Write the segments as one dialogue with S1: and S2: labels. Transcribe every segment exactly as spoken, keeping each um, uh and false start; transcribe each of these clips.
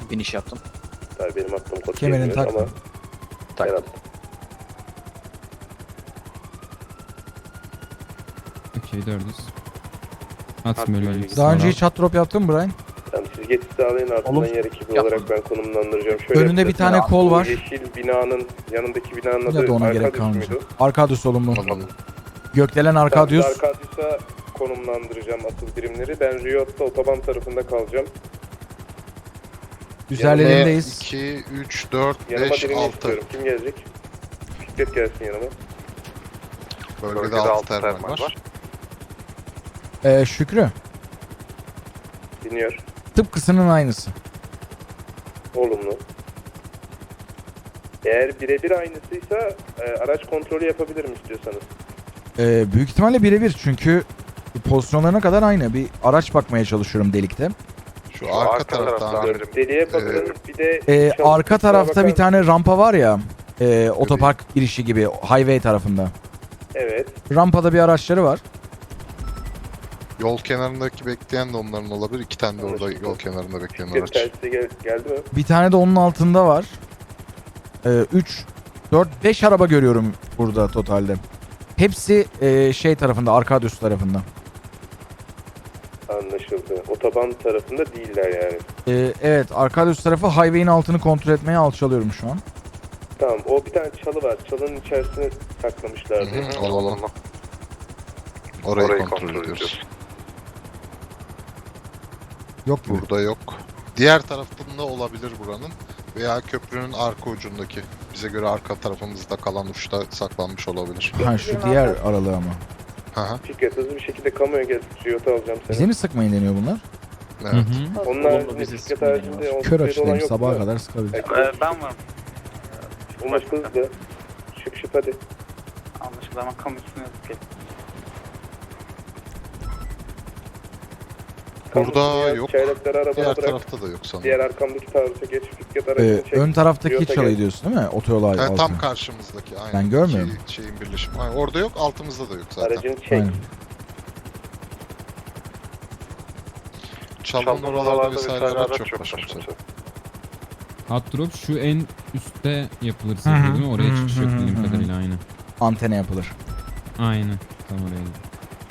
S1: biniş yaptım.
S2: Tabii benim attığım kod
S3: Kemerini
S2: gelmiyor
S3: takma.
S2: ama
S1: Tak.
S2: ben attım.
S4: Okey dördüz. At böyle.
S3: Daha önce hiç hot drop yaptın mı Brian?
S2: Tamam siz geçiş sağlayın ardından
S3: Oğlum,
S2: yer ekibi
S1: yapma.
S2: olarak ben konumlandıracağım. Şöyle
S3: Önünde bir
S2: yapacağız.
S3: tane kol
S2: Bu
S3: var.
S2: Yeşil binanın yanındaki binanın
S3: Ya da
S2: adı
S3: ona gerek
S2: Arkadius
S3: kalmayacak.
S2: muydu?
S3: Arkadius olumlu.
S5: Tamam.
S3: Gökdelen
S2: Ben
S3: Arkadius.
S2: Arkadius'a konumlandıracağım asıl birimleri. Ben Riot'ta otoban tarafında kalacağım.
S3: Üzerlerindeyiz.
S5: iki, üç, dört,
S2: Yanıma
S5: beş,
S2: birini
S5: altı.
S2: istiyorum. Kim gelecek? Fikret gelsin yanıma.
S5: Bölgede altı termal var.
S3: Ee, Şükrü.
S2: Dinliyor.
S3: Tıpkısının aynısı.
S2: Olumlu. Eğer birebir aynısıysa e, araç kontrolü yapabilirim istiyorsanız.
S3: Ee, büyük ihtimalle birebir çünkü pozisyonlarına kadar aynı. Bir araç bakmaya çalışıyorum delikte.
S5: Şu arka tarafta amirim.
S2: Deliye bakın bir de...
S3: Ee,
S2: çalı-
S3: arka tarafta
S2: bakar
S3: bir
S2: mısın?
S3: tane rampa var ya. E, otopark girişi gibi highway tarafında.
S2: Evet.
S3: Rampada bir araçları var.
S5: Yol kenarındaki bekleyen de onların olabilir. İki tane de orada yol kenarında bekleyen
S2: Fikret
S5: araç.
S2: telsize gel geldi mi?
S3: Bir tane de onun altında var. üç, dört, beş araba görüyorum burada totalde. Hepsi e, şey tarafında, Arkadius tarafında.
S2: Anlaşıldı. Otoban tarafında değiller yani.
S3: E, evet, Arkadius tarafı highway'in altını kontrol etmeye alçalıyorum şu an.
S2: Tamam o bir tane çalı var. Çalının içerisine saklamışlardı.
S5: Hı hı, alalım. Orayı, kontrol, ediyoruz.
S3: Yok gibi.
S5: Burada yok. Diğer tarafında olabilir buranın. Veya köprünün arka ucundaki. Bize göre arka tarafımızda kalan uçta saklanmış olabilir.
S3: Ha şu diğer aralığı ama.
S5: Hı hı.
S2: Fikret hızlı bir şekilde kamuya gel. Riot'a alacağım seni.
S3: Bize mi sıkmayın deniyor bunlar?
S5: Evet.
S2: Onun
S1: Olumlu
S2: haricinde
S1: bizi
S2: Fikret
S1: sıkmayın
S2: haricinde
S1: ya.
S2: on
S3: Kör
S2: sayıda olan
S3: açıdayım,
S2: yok
S3: sabaha
S2: mu?
S3: kadar sıkabilir.
S2: Ee,
S1: ben varım.
S2: Umut hızlı. Şıp şıp hadi.
S1: Anlaşıldı ama kamu üstüne yazık ki.
S5: Burada
S2: Kamu
S5: yok.
S2: Çaylakları arabana
S5: Diğer
S2: bırak.
S5: tarafta da yok sanırım.
S2: Diğer arkamdaki taarruza geç. Fikret
S3: Ee,
S2: aracını çek.
S3: ön taraftaki
S2: Riot'a
S3: çalıyı
S2: gel.
S3: diyorsun değil mi? Otoyol altı.
S5: Ha, tam karşımızdaki aynen.
S3: Ben görmüyorum.
S5: İki şeyin birleşimi. Aynen, orada yok, altımızda da yok zaten.
S2: Aracını çek.
S3: Aynen.
S5: Çalın oralarda vesaire araç yok başımıza.
S4: Hot drop şu en üstte yapılır
S3: Hı hı,
S4: sefer değil mi? Oraya
S3: hı
S4: çıkış
S3: hı,
S4: yok
S3: hı
S4: bildiğim
S3: hı.
S4: kadarıyla aynı.
S3: Antene yapılır.
S4: Aynen. Tam oraya gidiyor.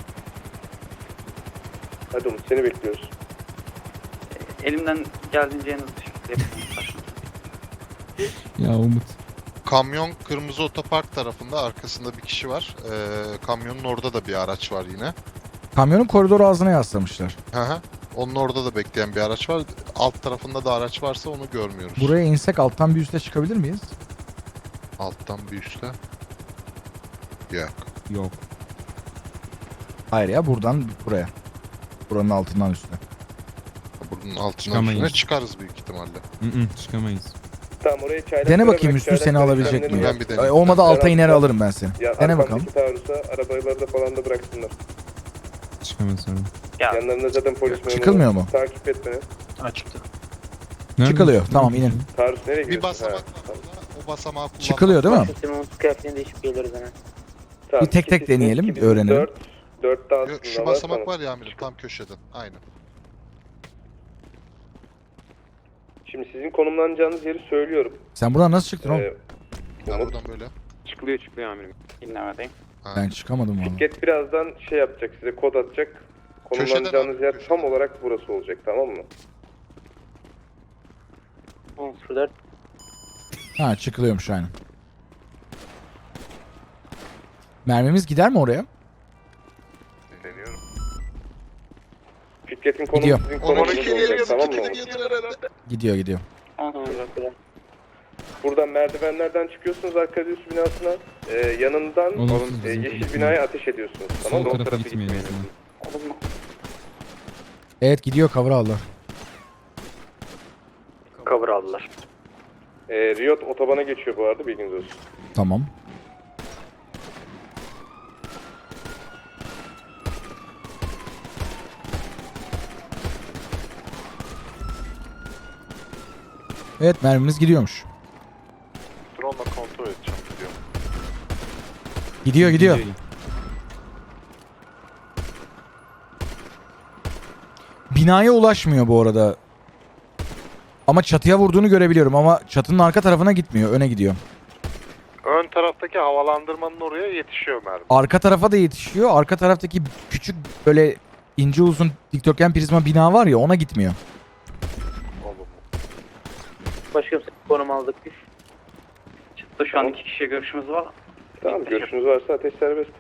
S2: Hadi Umut seni bekliyoruz.
S1: Elimden geldiğince en hızlı şekilde yapıyorum.
S4: Ya Umut.
S5: Kamyon kırmızı otopark tarafında, arkasında bir kişi var. Ee, kamyonun orada da bir araç var yine.
S3: Kamyonun koridor ağzına yaslamışlar.
S5: Hı hı. Onun orada da bekleyen bir araç var. Alt tarafında da araç varsa onu görmüyoruz.
S3: Buraya insek alttan bir üste çıkabilir miyiz?
S5: Alttan bir üstte. Yok.
S4: Yok.
S3: Hayır ya, buradan buraya. Buranın altından üste.
S5: Bunun altından
S4: Çıkamayız.
S5: üstüne çıkarız büyük ihtimalle.
S4: Hı hı, çıkamayız.
S2: Tamam oraya çaylakları
S3: Dene bakayım
S2: bırak,
S3: Üstü seni
S2: çaylakları
S3: alabilecek
S2: kendini
S3: mi?
S5: Ben
S2: yap.
S5: bir deneyim.
S3: Ay, olmadı
S2: Ben
S3: alta
S2: aldım.
S3: iner alırım ben seni.
S2: Ya
S3: Dene
S2: arkamdaki
S3: bakalım.
S2: taarruza arabaları da falan da bıraksınlar.
S4: Çıkamaz sonra.
S1: Ya
S2: Yanlarında zaten polis memuru.
S3: Çıkılmıyor mu?
S2: Takip et beni.
S1: açıktı.
S4: Nerede?
S3: Çıkılıyor. Tamam, inin.
S2: Taarruz nereye
S5: Bir
S2: gidiyorsun?
S5: basamak
S2: Ha,
S5: var
S2: tamam.
S5: burada. O basamağı kullanmak.
S3: Çıkılıyor değil mi?
S6: Sistemi Umut kıyafetini değişip geliyoruz hemen.
S2: Tamam,
S3: Bir tek tek
S2: ikisi
S3: deneyelim,
S2: iki bin
S3: öğrenelim.
S2: dört, dörtte
S5: Yok,
S2: aslında
S5: şu
S2: var,
S5: basamak
S2: tamam.
S5: var ya amirim tam köşeden. Aynen.
S2: Şimdi sizin konumlanacağınız yeri söylüyorum.
S3: Sen buradan nasıl çıktın oğlum?
S2: Ee,
S5: Ya
S2: Umut,
S5: buradan böyle.
S7: Çıkılıyor çıkılıyor amirim.
S1: Dinlemedeyim.
S5: Ha.
S3: Ben çıkamadım valla.
S2: Fikret birazdan şey yapacak, size kod atacak. Konumlanacağınız
S5: abi,
S2: yer
S5: köşeden.
S2: tam olarak burası olacak, tamam mı?
S6: on sıfır dört.
S3: Ha, çıkılıyormuş aynen. Mermimiz gider mi oraya?
S2: Deniyorum. Fikret'in
S3: Gidiyor.
S2: konumu sizin
S5: Onu
S2: konumunuz
S5: iki
S2: olacak,
S5: geliyor,
S2: tamam
S5: iki
S2: mı?
S5: de getir herhalde.
S3: Gidiyor gidiyor.
S2: Buradan merdivenlerden çıkıyorsunuz Arkadius binasına. Ee, yanından
S4: Olumsuz
S2: e,
S4: bizim
S2: yeşil
S4: tarafı.
S2: binaya ateş ediyorsunuz, tamam
S4: Sol
S2: mı?
S4: tarafa gitmeyelim.
S1: Olumlu.
S3: Evet, gidiyor, cover aldılar.
S1: Cover aldılar.
S2: Ee, Riot otobana geçiyor bu arada, bilginiz olsun.
S3: Tamam. Evet, mermimiz gidiyormuş.
S5: Drone'la kontrol edeceğim gidiyor.
S3: Gidiyor gidiyor. Binaya ulaşmıyor bu arada. Ama çatıya vurduğunu görebiliyorum ama çatının arka tarafına gitmiyor. Öne gidiyor.
S7: Ön taraftaki havalandırmanın oraya yetişiyor mermi.
S3: Arka tarafa da yetişiyor. Arka taraftaki küçük böyle ince uzun dikdörtgen prizma bina var ya ona gitmiyor.
S7: Olumlu.
S6: Başkanım konum aldık biz.
S1: Çıktı şu an iki kişiye görüşümüz var.
S2: Tamam, görüşünüz varsa ateş serbest.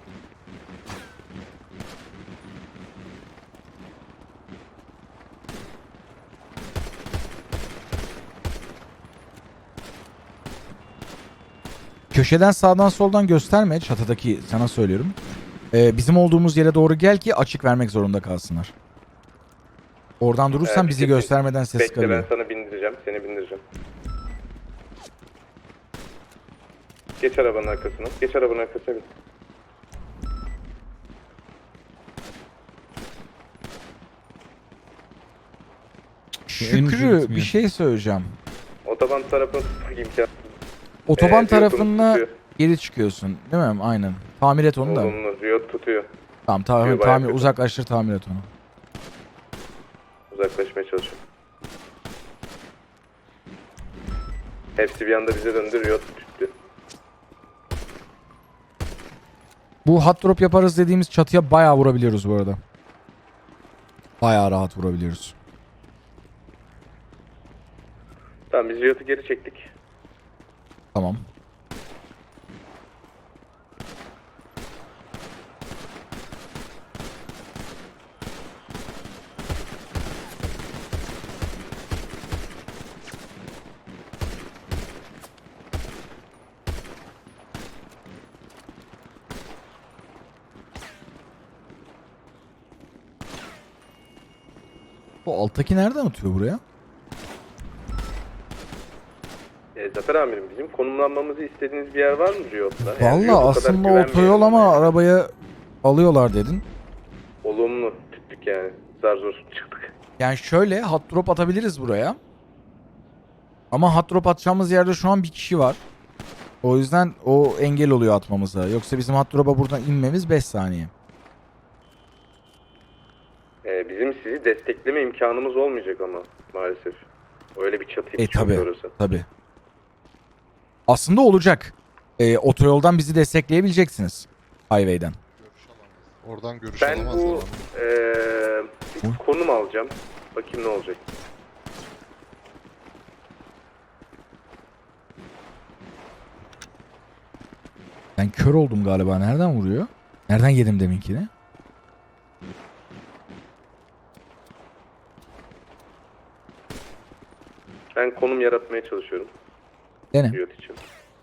S3: Köşeden sağdan soldan gösterme çatıdaki sana söylüyorum. Ee, bizim olduğumuz yere doğru gel ki açık vermek zorunda kalsınlar. Oradan durursan
S2: Ee,
S3: bizi
S2: peki,
S3: göstermeden ses
S2: Bekle, ben
S3: kalıyor.
S2: sana bindireceğim, seni bindireceğim. Geç arabanın arkasına, geç arabanın arkasına bin.
S4: en ucu
S3: Şükrü bir
S4: gitmiyor.
S3: şey söyleyeceğim.
S2: Otoban tarafına tutmak imkansız.
S3: Otoban
S2: Ee,
S3: tarafına
S2: Riot'un
S3: geri çıkıyorsun değil mi? Aynen. Tamir et onu da.
S2: tutuyor. Olumlu, Riot tutuyor.
S3: Tamam tamam
S2: Tutuyor, bayağı
S3: tamir
S2: kötü.
S3: uzaklaştır tamir et onu.
S2: Uzaklaşmaya çalışıyor. Hepsi bir anda bize döndü, Riot tuttu.
S3: Bu hot drop yaparız dediğimiz çatıya bayağı vurabiliyoruz bu arada. Bayağı rahat vurabiliyoruz.
S2: Tamam, biz Riot'u geri çektik.
S3: Tamam. Bu alttaki nereden atıyor buraya?
S2: E, Zafer amirim, bizim konumlanmamızı istediğiniz bir yer var mı Riot'ta? Yani Riot
S3: Valla
S2: o kadar
S3: aslında
S2: güvenmeyelim
S3: otoyol ama
S2: yani.
S3: arabaya alıyorlar dedin.
S2: Olumlu tuttuk yani. Zar zor çıktık.
S3: Yani şöyle hot drop atabiliriz buraya. Ama hot drop atacağımız yerde şu an bir kişi var. O yüzden o engel oluyor atmamıza. Yoksa bizim hot drop'a buradan inmemiz beş saniye.
S2: E, bizim sizi destekleme imkanımız olmayacak ama maalesef. Öyle bir çatı
S3: E
S2: hiç yok
S3: tabi
S2: orası.
S3: tabi. Aslında olacak. E, otoyoldan bizi destekleyebileceksiniz. Highway'den.
S5: Görüş alamaz. Oradan görüş
S2: Ben
S5: alamazlar
S2: bu
S5: ama.
S2: e, bir konum alacağım. Bakayım ne olacak.
S3: Ben kör oldum galiba. Nereden vuruyor? Nereden yedim deminkini?
S2: Ben konum yaratmaya çalışıyorum.
S3: Dene.
S2: Riot için.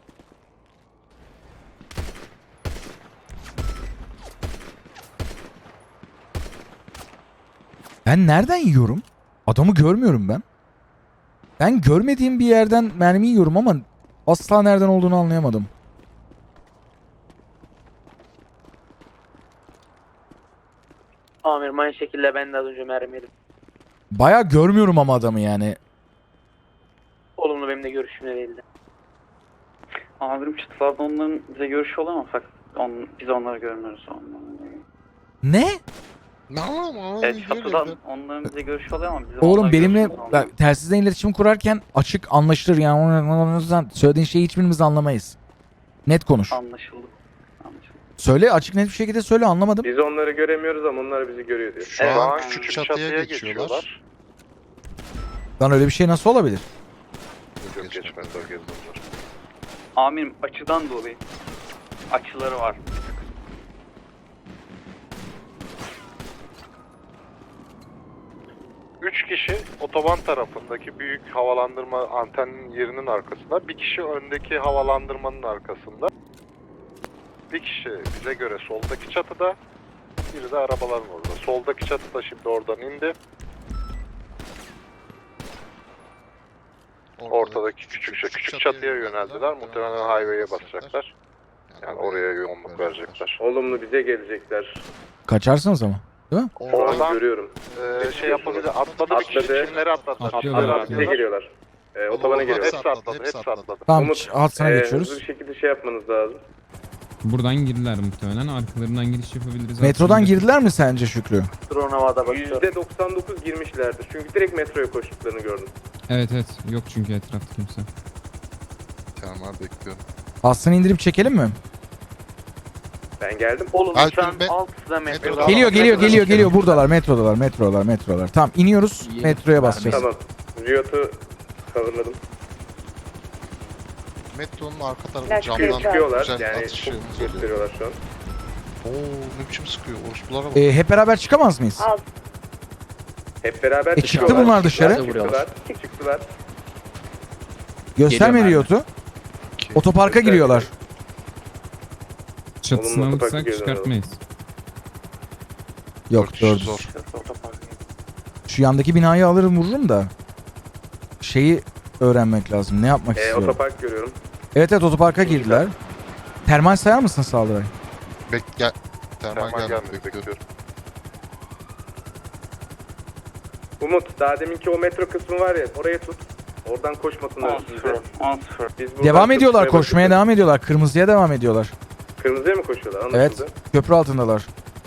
S3: Ben nereden yiyorum? Adamı görmüyorum ben. Ben görmediğim bir yerden mermi yiyorum ama asla nereden olduğunu anlayamadım.
S6: Amirim aynı şekilde ben de az önce mermi yedim.
S3: Baya görmüyorum ama adamı yani.
S6: Olumlu benim de görüşümle değildi.
S1: Amirim çıtılarda onların bize görüşü oluyor ama fakat on, biz onları görmüyoruz. Onları.
S3: Ne?
S5: Ne ama?
S1: Evet çatıdan onların bize görüşü oluyor ama biz
S3: Oğlum
S1: onlarla
S3: benimle
S1: görüşmüyoruz.
S3: bak, telsizden iletişim kurarken açık anlaşılır yani. Söylediğin şeyi hiçbirimiz anlamayız. Net konuş.
S1: Anlaşıldı. Anlaşıldı.
S3: Söyle açık net bir şekilde söyle anlamadım.
S2: Biz onları göremiyoruz ama onlar bizi görüyor diyor.
S5: Şu
S7: Evet,
S5: an
S7: an
S5: küçük
S7: küçük
S5: çatıya,
S7: çatıya
S5: geçiyorlar.
S7: geçiyorlar.
S3: Lan öyle bir şey nasıl olabilir?
S7: Yok geçmez o gezdiler.
S1: Amirim açıdan dolayı. Açıları var.
S7: Üç kişi otoban tarafındaki büyük havalandırma anteninin yerinin arkasında. Bir kişi öndeki havalandırmanın arkasında. Bir kişi bize göre soldaki çatıda. Biri de arabaların orada. Soldaki çatıda şimdi oradan indi. Ortadaki küçük, küçük çatıya yöneldiler. Muhtemelen highway'e basacaklar. Yani oraya yoğunluk verecekler.
S2: Olumlu bize gelecekler.
S3: Kaçarsınız ama. Değil mi?
S2: Şu an
S7: Oradan
S2: görüyorum.
S7: Ee, şey yapabilir. Atladı bir kişi.
S2: Atladı.
S7: Kimleri atladılar?
S4: Atlıyorlar,
S7: Atladılar.
S2: Bize
S4: atlıyorlar.
S2: geliyorlar. Ee, otobana
S5: Olumlu.
S2: geliyorlar.
S7: Hepsi atladı. Hepsi atladı.
S3: Tamam
S2: Umut,
S3: hatsına
S2: Ee,
S3: geçiyoruz.
S2: hızlı bir şekilde şey yapmanız lazım.
S4: Buradan girdiler muhtemelen. Arkalarından giriş yapabiliriz.
S3: Metrodan
S4: aslında.
S3: girdiler mi sence Şükrü?
S6: Drone havada bakıyor.
S2: yüzde doksan dokuz girmişlerdir. Çünkü direkt metroya koştuklarını gördüm.
S4: Evet evet. Yok çünkü etrafta kimse.
S5: Tamam abi bekliyorum.
S3: Aslını indirip çekelim mi?
S2: Ben geldim.
S6: Olumlu
S5: Alper
S6: şu an
S5: Bey,
S6: altıda metro.
S5: metroda-
S3: Geliyor geliyor
S5: Metrodan
S3: geliyor
S5: çıkalım.
S3: geliyor. Buradalar metrodalar metrodalar metrodalar. Tamam iniyoruz metroya basacağız.
S2: Tamam. Riot'u coverladım.
S5: Metronun arka tarafı
S8: Lastik
S5: camdan
S2: Sıkıyorlar
S5: güzel
S2: yani
S5: atış
S2: çok
S5: şeyimiz oluyor.
S2: gösteriyorlar şu an.
S5: Oo ne biçim sıkıyor. Orospulara bak.
S3: Ee, hep beraber çıkamaz mıyız?
S8: Alt.
S2: Hep beraber
S3: E, çıktı
S2: çıkıyorlar.
S3: bunlar dışarı.
S2: Çıktılar. Çıktılar.
S3: Gösterme Riot'u.
S5: İki.
S3: Otoparka giriyorlar.
S4: Çatısını
S2: Olumlu
S4: alırsak
S2: otoparka
S4: çıkartmayız.
S3: Yok
S5: Dört kişi
S3: dört.
S5: zor.
S3: Şu yandaki binayı alırım vururum da. Şeyi öğrenmek lazım. Ne yapmak
S2: Ee,
S3: istiyorum?
S2: otopark görüyorum.
S3: Evet evet otoparka girdiler. Termal sayar mısın Saldıray?
S5: Bek gel. Termal
S7: Termal
S5: gelmedi
S7: gelmedi
S5: bekliyorum.
S7: bekliyorum.
S2: Umut daha deminki o metro kısmı var ya oraya tut. Oradan koşmasınlar
S1: on
S2: üstünüze.
S1: sıfır. on sıfır.
S2: Biz buradan
S3: Devam
S2: çok
S3: ediyorlar
S2: şuraya
S3: koşmaya
S2: bakıyoruz.
S3: devam ediyorlar. Kırmızıya devam ediyorlar.
S2: Kırmızıya mı koşuyorlar?
S3: Evet.
S2: Anlaşıldı.
S3: Köprü altındalar.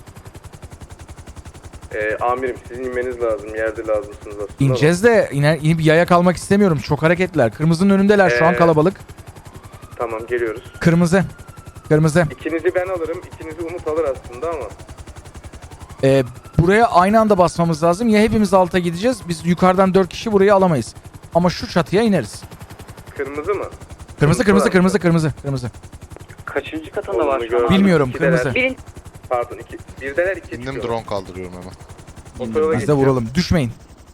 S2: Ee, amirim sizin inmeniz lazım. Yerde lazımsınız aslında.
S3: İneceğiz de iner, inip yaya kalmak istemiyorum. Çok hareketliler. Kırmızının önündeler şu an
S2: Ee,
S3: kalabalık.
S2: Ama. Tamam geliyoruz.
S3: Kırmızı. Kırmızı.
S2: İkinizi ben alırım. İkinizi Umut alır aslında ama.
S3: Ee, buraya aynı anda basmamız lazım. Ya hepimiz alta gideceğiz. Biz yukarıdan dört kişi burayı alamayız. Ama şu çatıya ineriz.
S2: Kırmızı mı?
S3: Kırmızı kırmızı kırmızı kırmızı kırmızı.
S1: Kaçıncı katında var
S2: Onu
S1: şu an?
S2: gördüm.
S3: Bilmiyorum
S2: İkideler.
S3: kırmızı.
S8: Birinci
S2: Pardon iki. Birdeler iki
S5: İndim
S2: çıkıyor.
S5: drone kaldırıyorum hemen.
S2: Otoyola
S3: Biz de
S2: geçeceğim.
S3: vuralım. Düşmeyin.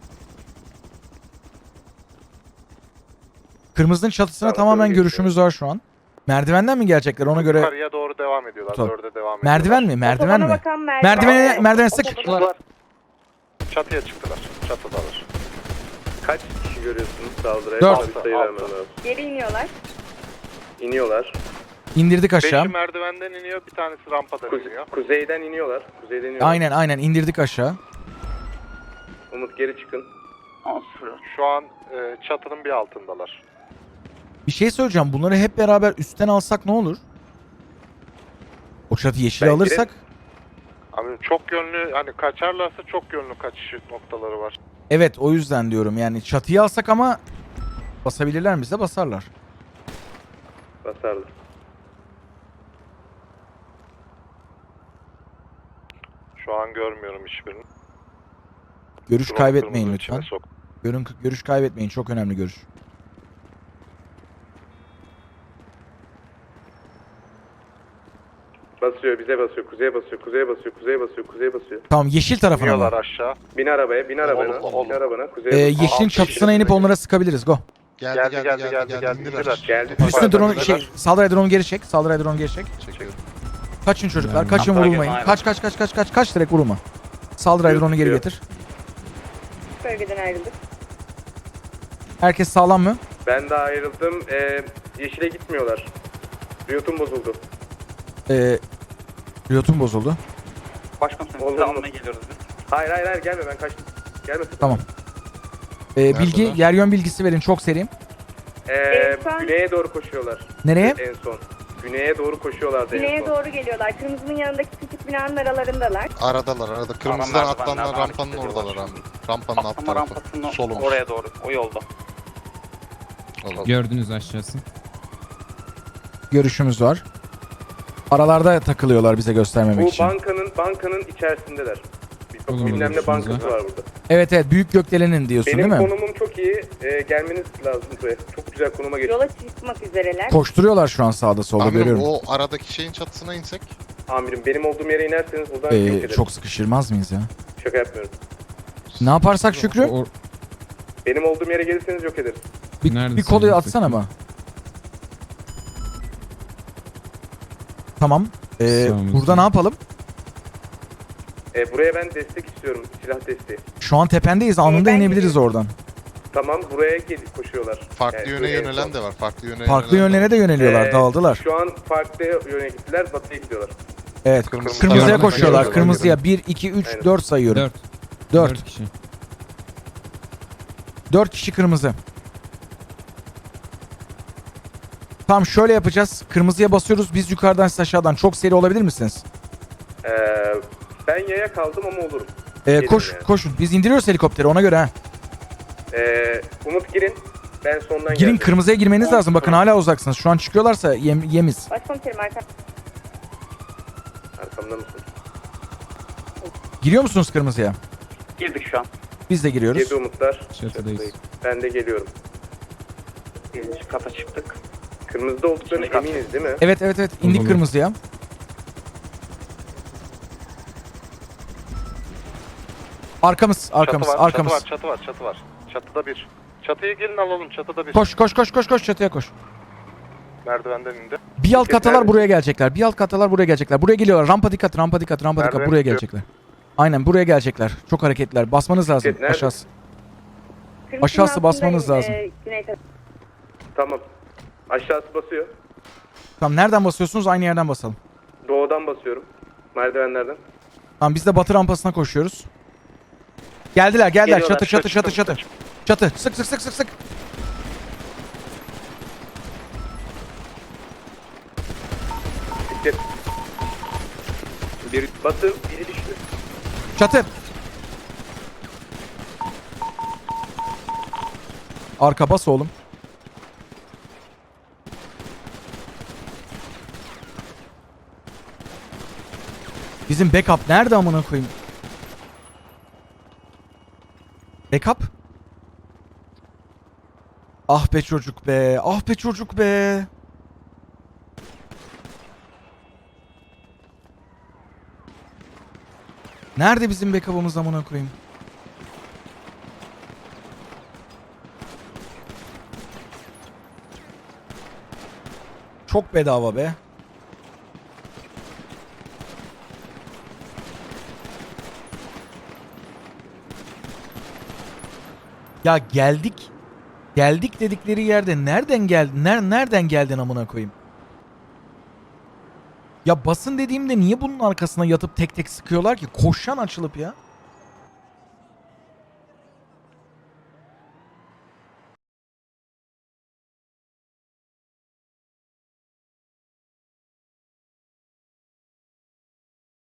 S3: Kırmızının çatısına
S2: Tamam,
S3: tamamen
S2: öyle
S3: görüşümüz var şu an. Merdivenden mi gelecekler ona göre?
S7: Yukarıya doğru devam ediyorlar.
S3: Tamam.
S7: Dörde devam ediyorlar.
S3: Merdiven mi? Merdiven
S8: otobana
S3: mi?
S8: bakan merdiven.
S3: Merdivene, merdivene sık.
S6: Çıktılar.
S7: Çatıya çıktılar. Çatıdalar.
S2: Kaç kişi görüyorsunuz saldırıya?
S3: Dört.
S2: Bana bir sayı
S7: Altı.
S2: vermem lazım.
S8: Geri iniyorlar.
S2: İniyorlar.
S3: İndirdik aşağı.
S7: Beşi merdivenden iniyor. Bir tanesi rampadan
S2: Kuze-
S7: iniyor.
S2: kuzeyden iniyorlar. Kuzeyden iniyorlar.
S3: Aynen aynen indirdik aşağı.
S2: Umut geri çıkın.
S1: on sıfır.
S7: Şu an e, çatının bir altındalar.
S3: Bir şey söyleyeceğim. Bunları hep beraber üstten alsak ne olur? O çatı yeşil
S2: Ben
S3: alırsak.
S7: Abi çok yönlü hani kaçarlarsa çok yönlü kaçış noktaları var.
S3: Evet o yüzden diyorum. Yani çatıyı alsak ama basabilirler mi bize? Basarlar.
S2: Basarlar.
S7: Şu an görmüyorum hiçbirini.
S3: Görüş
S7: Drone
S3: kaybetmeyin
S7: kırmızı
S3: lütfen.
S7: içine sok.
S3: Görün, görüş kaybetmeyin. Çok önemli görüş.
S2: Basıyor bize basıyor. Kuzeye basıyor. Kuzeye basıyor. Kuzeye basıyor. Kuzeye basıyor.
S3: Tamam yeşil tarafına
S7: İniyorlar
S3: mı?
S7: aşağı.
S2: Bin arabaya. Bin arabana.
S7: Oğlum, oğlum.
S2: Bin arabana. Kuzeye
S3: Ee,
S2: basıyor.
S3: yeşilin
S7: Altı
S3: çatısına
S7: kişi
S3: inip onlara sıkabiliriz. Go.
S5: Geldi
S7: Geldi,
S5: geldi
S7: geldi,
S5: geldi
S7: geldi,
S5: geldi.
S7: geldi.
S5: indiler.
S7: İndiler.
S2: Geldi.
S3: Üstüne
S2: Yukarıdan
S3: drone
S2: indiler.
S3: şey saldıray drone geri çek. Saldıray drone geri çek.
S5: Çekiyorum.
S3: Kaçın çocuklar.
S4: Yani.
S3: Kaçın
S1: Hatta
S3: vurulmayın.
S1: aynen.
S3: Kaç kaç kaç kaç kaç kaç direkt vurulma. Saldıray drone'u geri
S2: Yok.
S3: getir.
S8: Bölgeden ayrıldık.
S3: Herkes sağlam mı?
S2: Ben de ayrıldım. Ee, yeşile gitmiyorlar. Riot'um bozuldu.
S3: Ee, Riot'un bozuldu.
S1: Başkomiserim
S2: Olur
S1: sizi
S2: mu?
S1: almaya geliyoruz biz.
S2: Hayır hayır hayır gelme ben kaçtım. Gelme.
S3: Tamam. Ee, bilgi,
S5: Neredeler?
S3: yer yön bilgisi verin çok seri.
S2: Ee,
S8: Ee, şu an-
S2: güneye doğru koşuyorlar.
S3: Nereye?
S2: En son. Güneye doğru koşuyorlardı en
S8: Güneye
S2: son.
S8: doğru geliyorlar. Kırmızının yanındaki küçük binanın aralarındalar.
S5: Aradalar arada. Kırmızıdan
S1: merdivenler
S5: atlanlar
S1: devam
S5: rampanın
S1: ediyorlar
S5: oradalar
S1: şu an.
S5: abi. Rampanın alt
S1: Atlama
S5: tarafı.
S1: rampasının
S5: Solumuz.
S1: oraya doğru. O yolda.
S5: Olur.
S4: Gördünüz aşağısı.
S3: Görüşümüz var. Aralarda takılıyorlar bize göstermemek
S2: Bu
S3: için.
S2: bankanın bankanın içerisindeler. Bir
S4: Olur,
S2: bilmem ne
S4: görüşürüz
S2: bankası
S4: ya.
S2: var burada.
S3: Evet evet büyük gökdelenin diyorsun
S2: Benim
S3: değil mi?
S2: konumum çok iyi. Ee, gelmeniz lazım buraya. Çok güzel konuma geçtim.
S8: Yola çıkmak üzereler.
S3: Koşturuyorlar şu an sağda solda
S5: Amirim
S3: görüyorum.
S5: o aradaki şeyin çatısına insek.
S2: Amirim benim olduğum yere inerseniz buradan yok
S3: Ee,
S2: ederim.
S3: çok sıkışırmaz mıyız ya?
S2: Şaka yapmıyorum.
S3: Ne yaparsak Şükrü?
S4: O,
S2: Benim olduğum yere gelirseniz yok ederiz.
S3: Bir,
S4: Neredesin?
S3: bir kolu atsana ama. Tamam. Ee,
S4: Sağ
S3: burada
S4: olun.
S3: ne yapalım?
S2: Ee, buraya ben destek istiyorum. Silah desteği.
S3: Şu an tependeyiz. Anında
S8: ben
S3: inebiliriz oradan.
S2: Tamam buraya gelip koşuyorlar.
S5: Farklı
S2: Yani
S5: yöne
S2: buraya en
S5: yönelen
S2: son.
S5: de var. Farklı yöne
S3: Farklı
S5: yönelen de
S3: yönlere de yöneliyorlar.
S2: Ee,
S3: Dağıldılar.
S2: Şu an farklı yöne gittiler. Batıya gidiyorlar.
S3: Evet.
S5: Kırmızı
S3: Kırmızıya
S4: tarafına
S3: koşuyorlar.
S4: geliyorlar.
S3: Kırmızıya bir, iki, üç,
S2: Aynen.
S3: dört sayıyorum.
S4: dört.
S3: dört.
S4: dört kişi.
S3: dört kişi kırmızı. Tamam şöyle yapacağız. Kırmızıya basıyoruz. Biz yukarıdan siz aşağıdan. Çok seri olabilir misiniz?
S2: Ee, ben yaya kaldım ama olurum.
S3: Ee,
S2: Gelin
S3: koş
S2: yani.
S3: koşun. Biz indiriyoruz helikopteri ona göre ha.
S2: Ee, Umut girin. Ben sondan
S3: Girin
S2: geleceğim.
S3: kırmızıya girmeniz lazım. Bakın hala uzaksınız. Şu an çıkıyorlarsa yem, yemiz.
S8: Başkomiserim arka.
S2: Arkamda mısın?
S3: Giriyor musunuz kırmızıya?
S1: Girdik şu an.
S3: Biz de giriyoruz.
S2: Girdi Umutlar.
S4: Çatıdayız.
S2: Ben de geliyorum.
S1: Birinci kata çıktık.
S2: Kırmızıda olduklarına
S1: İkinci kat.
S2: eminiz değil mi?
S3: Evet evet evet. İndik
S4: Olur.
S3: kırmızıya. Arkamız, arkamız,
S7: çatı var,
S3: arkamız.
S7: Çatı var, çatı var, çatı var. Çatıda bir. Çatıya gelin alalım, çatıda bir.
S3: Koş koş koş koş koş çatıya koş.
S7: Merdivenden indi.
S3: Bir alt
S2: Peki,
S3: katalar
S2: nerede?
S3: buraya gelecekler. Bir alt katalar buraya gelecekler. Buraya geliyorlar. Rampa dikkat, rampa dikkat, rampa dikkat.
S7: Merdiven
S3: Buraya
S7: çıkıyor.
S3: gelecekler. Aynen buraya gelecekler. Çok hareketler. Basmanız lazım.
S2: Peki, nerede?
S3: Aşağısı.
S8: Kırmızının
S3: Aşağısı basmanız
S8: altındayım,
S3: lazım.
S8: e, güney tarafı.
S2: Tamam. Aşağısı basıyor.
S3: Tamam nereden basıyorsunuz? Aynı yerden basalım.
S2: Doğudan basıyorum. Merdivenlerden.
S3: Tamam biz de batı rampasına koşuyoruz. Geldiler, geldiler.
S1: Geliyorlar.
S3: Çatı, çatı, çatı,
S1: Çıktım,
S3: çatı. Çatı. Sık sık sık sık sık.
S2: Dikkat. Bir batın, biri düştü.
S3: Çatı. Arka bas oğlum. Bizim backup nerede amına koyayım? Backup? Ah be çocuk be. Ah be çocuk be. Nerede bizim backup'ımız amına koyayım? Çok bedava be. Ya geldik. Geldik dedikleri yerde nereden geldin? Ner nereden geldin amına koyayım? Ya basın dediğimde niye bunun arkasına yatıp tek tek sıkıyorlar ki? Koşan açılıp ya.